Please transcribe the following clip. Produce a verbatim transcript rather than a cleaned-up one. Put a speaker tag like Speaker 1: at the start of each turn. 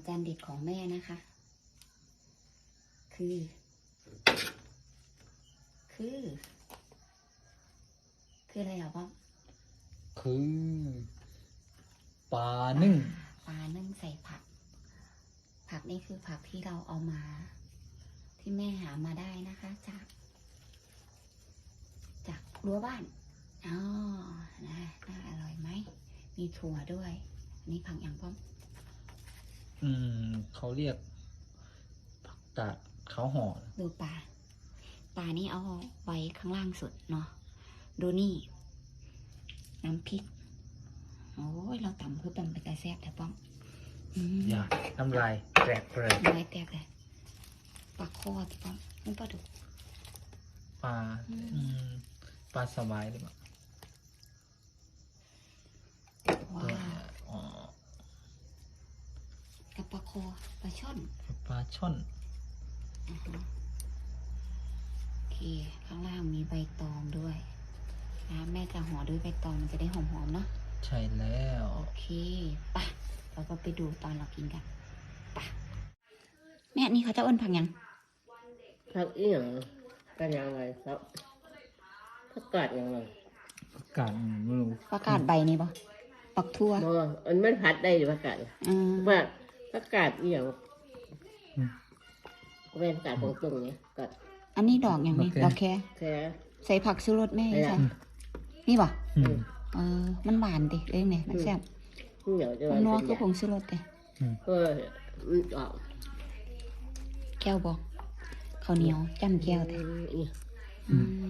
Speaker 1: จานเด็ดของแม่นะคะ คือ คือ คืออะไรเหรอพ่อ
Speaker 2: คือปลานึ่ง
Speaker 1: ปลานึ่งใส่ผัก ผักนี่คือผักที่เราเอามา ที่แม่หามาได้นะคะ จาก จากรั้วบ้านอ๋อนะน่าอร่อยไหม มีถั่วด้วย อันนี้ผักอย่างพ่อ
Speaker 2: อืมเขาเรียกผักกาดเขาห่อ
Speaker 1: ดูปลา ปลานี่เอาไว้ข้างล่างสุดเนาะ ดูนี่ น้ำพริก โอ้ย เราตำเพื่อเป็นไปกระแซบแต่ป้อม
Speaker 2: อย่าน้ำลายแตกเลย
Speaker 1: น้ำลายแตกเลยปลาคอแต่ป้อมมันปลาดุก
Speaker 2: ปลาปลาสบายหรือเปล่า
Speaker 1: ว้าวกับปลาคอปลาช่อน
Speaker 2: ปลาช่อน
Speaker 1: โอเคข้างล่างมีใบตองด้วยนะแม่จะห่อด้วยใบตองมันจะได้หอมๆเนาะ
Speaker 2: ใช่แล้ว
Speaker 1: โอเคปะเราก็ไปดูตอนเรากินกันปะแม่นี่เขาจะอ้นผักยัง
Speaker 3: ผักอีหยังกันยังไงครับผักกาดยังไง
Speaker 2: ผักกาดไม่รู้
Speaker 1: ผักกาดใบนี่ปะปักทั่ว
Speaker 3: บ่มันไม่ผัดได้หรือผักกาด
Speaker 1: อืม
Speaker 3: ว่าผักกาดอีหยังเป็นกาดตรงๆเนี่ยกาด
Speaker 1: อันนี้ดอกอย่างนี้ดอกแค่
Speaker 3: แค่
Speaker 1: ใส่ผักชูรสแม่ใช่นี่ปะเออมันหวานดิเอ้ยเนี่ยมันแซ่บมันนัวคือผงชูรสดิ
Speaker 3: เออมันออก
Speaker 1: แก้วบอกข้าวเหนียวจ้ำแก้วแต่